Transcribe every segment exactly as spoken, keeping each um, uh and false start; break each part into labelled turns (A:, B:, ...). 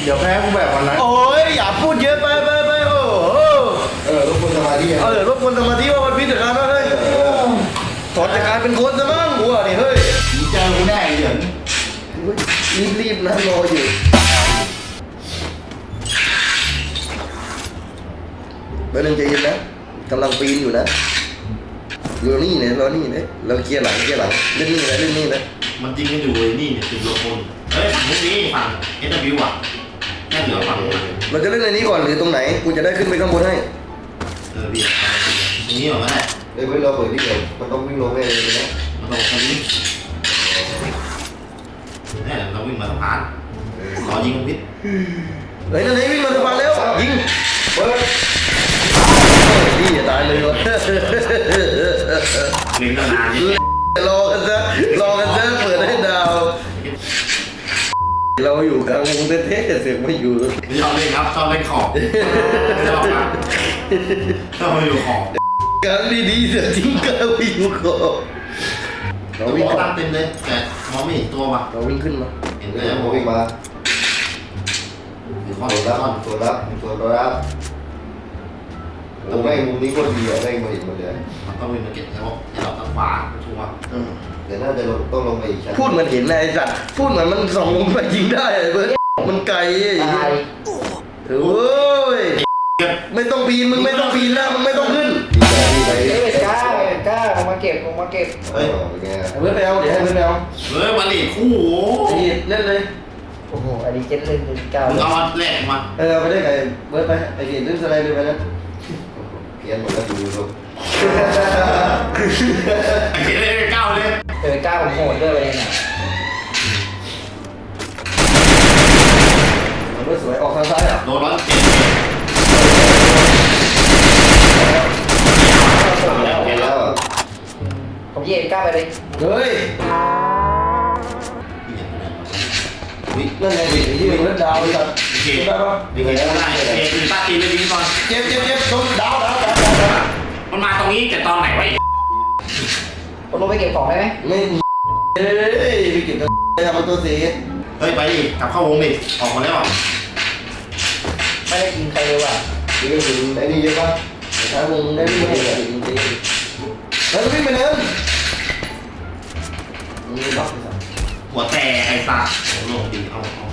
A: เดี๋ยวแพ้กูแบบวันนั้น
B: โอ้ยอย่าพูดเยอะไปไปไปโอ้
A: เออรบกวนสมาธิ
B: เออรบกวนสมาธิว่ามันพิจารณาเฮ้ยถอนจากการเป็นคนซะมั้งหัวนี่เฮ้ย
A: เจอกูแน่เดี๋ยว
B: รีบรีบนะรออยู่เบอร์หนึ่งใจเย็นนะกำลังปีนอยู่นะรอนี่เนี่ยรอนี่เนี่ยเราเคลียร์หลังเคลียร์หลังเล่นนี่นะเล่นนี่นะ
C: มันจริงกันอยู่เลยนี่เนี่ยติดโลโก้เฮ้ยฝั่งนี้ฝั่งเอสบิวอ่ะแค่เหลือฝั่ง
B: เราจะเล่นในนี้ก่อนหรือตรงไหนกูจะได้ขึ้นไปข้างบนให้
C: เออพี่ตรงนี้เหรอแม่
A: เดี๋ยวเราเปิดที่เดียวมันต้องวิ่งลงไปเลยนะ
C: มันต้องตรงนี้เนี่ยเราวิ่งมาสะพานรอยิงพิษ
B: เฮ้ยนั่นไงวิ่งมาสะพานแล้วยิงเปิดดีอย่าตายเลยวะ
C: เล่นตั้งนาน
B: รอกันซะรอกันซะเปิดให้ดาวเราอยู่กลางวงเท่ๆเสียงไม่อยู่
C: ชอบเล่นครับชอบเล่นขอบชอบครับชอบอยู่ขอบ
B: การดีๆเสียจริงก็วิ่งขอบ
C: เราวิ่งตั้งเต็มเลยแต่มองไม่เห็นตัวว่ะ
B: เราวิ่งขึ้นมา
C: เห็นเลย
A: เราวิ่งมา
C: ข้อ
A: โซลับโซลับโซลับโอ้ไม่มุมนี้ก็ดีอ่ะไม่มาเห็นหมดเลย
C: มันต้องวิ่งมาเก็บแล้วอย่าเราตั้งขวาชัวร์
A: แต่น่าจะต้องลงไปอีกชั้น
B: พูดเหมือนเห็นนายสัตว์พูดเหมือนมันส่องลงไปยิงได้เบิร์ดมันไกลอย่างนี้โอ้ยไม่ต้องปีนมึงไม่ต้องปีนแล้วมึงไม่ต้องขึ้น
D: เฮ้ยกล้ากล้าลงมาเก็บลงมาเก็บ
A: เฮ้ย
B: เบิร์ดไปเอาเดี๋ยวให้เบิร์ดไปเอา
C: เฮ้ยวันนี้คู่
B: นี่เล่นเลย
D: โอ้โหอันนี้เจ็ดเล่นเล่นเก้า
C: มึงเอาแรกมา
B: เออไปได้ไงเบิร์ดไปไอ้เกียร์เล่นสไลด์เลยไปนะ
A: เพี้ยนหมดแล้วดูดู
C: ไอ้เกียร์เล่นเก้าเลย
D: เออเก้าผมโหดด้วยเลยน่ะ
B: เบิร์ดสวยออกทางซ้ายอ่ะ
C: โดนร้อนเจ็บ
A: แล้ว
D: ผมเย็นกล้าไปเลย
B: เฮ้ยนั่นไงดิที่มันเล่นดาวเลยครับ
C: เจ็บได้ปะเจ็บได้เจ็บตีป้าตีเลยดีก่อน
B: เจ็บเจ็บเจ็บโดนดาวดาวดาว
C: มันมาตรงนี้แต่ตอนไหนวะ
D: ผมลงไปเก็บของได้ไหม
B: ไม่เฮ้ยไปเก็บตัวทำตัวสี
C: เฮ้ยไปดิกลับเข้าวงดิออกมาแล้ว
D: ไม่ได้กินใครเลยว่ะ
A: นี่ก็ถึงไอ้นี่เยอะปะ
B: ถ้าวงได้ไม่ได้จริงจริงแล้ววิ่งไปเนินนี่ล็อก
C: หัวแตกไอ้สัตว์โหลงดีเอาเอา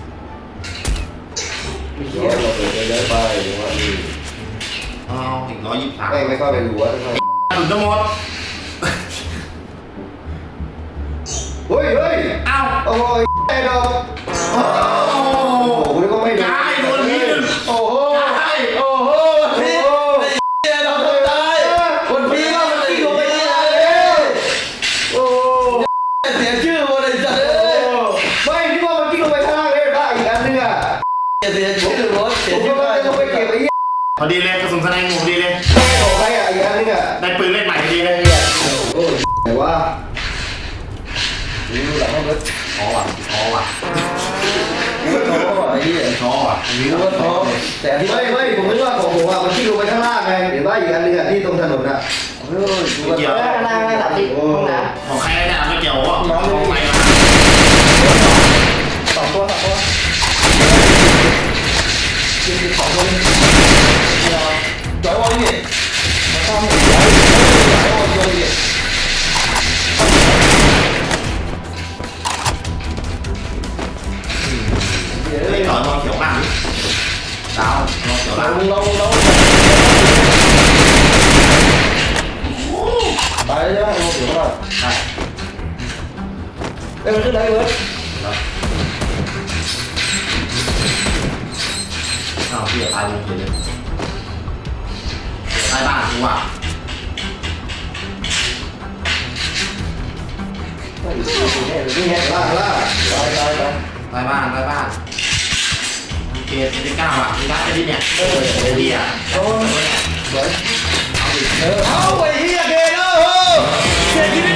A: เราเปิดเดินไปหรือว่าดี
C: เอาอีกร้อยยี่สิบสาม
A: ไม่ไม่เข้าไปดูว่าทำไม
C: ถึงจะหมด
A: เฮ้ยเฮ้ย
C: อ้าว
A: โอ้ยไอ้ดอกโอ้โหคุณก็ไม่ดู
C: ตายโดนพิษ
B: โอ้โหโอ้โหพิษไอ้เราต้องตายคนพิษเรามันตีลงไปเลยโอ้เสียชื่อหมดเลยจ้ะ
A: ไม่ที่ว่ามันกิ้งลงไปข้างล่างเลยได้อีกอันนึงอ่ะ
B: เสียชื่อหมดเสีย
A: ชื่อไปลงไปเก็บไอ้ยี่
C: พอดีเลยกระสุนแสดงหมดดีเลย
A: ของใครอ่ะอีกอันนึงอ่ะ
C: ได้ปืนเล่นใหม่พอดีเลย
A: โอ้ยแต่ว่า
B: ดูหลังเขาเลย
C: ท้อว่ะท้อว่ะ
B: ท้อว่ะไอ้เหี้ย
C: ท้อว่ะ
B: มีว่าท้อแต่ที่
A: ไม่ไม่ผมนึกว่าของผมอ่ะมันกิ้งลงไปข้างล่างไงเห็นว่าอีกอันนึงอ่ะที่ตรงถนนอ่ะ
B: เฮ้ย
C: ไม่เกี่ยว
D: ข้างล่างสามสิบห้องน้
C: ำของใครเนี่ยไม่เกี่ยวว่าของใครมา
D: สองตัวสองตัวยิงสองตัวนี่
B: จอยวอลนี่
D: มาซ่อม
B: จอยวอลจอยวอลนี่
C: เฮ้ยต่อนอนเขียวมากดาวนอนเขียวมาก
B: เราเราตายแล้วเราเขียวมาก
C: ใช่
D: เอ้ยมันขึ้นได้เว้ย
C: อ้าวพี่ตายวงเลยตายบ้านกูอ่ะ
B: นี่ไงล่าล่าตายตายตาย
C: ตายบ้านตายบ้านเกมเอ็นเก้าอ่ะมีร้านจะดีเนี่ยเออเดีย
B: โอ้ยเอาดิเออเอาไปเฮียเกนเออเสียชีวิต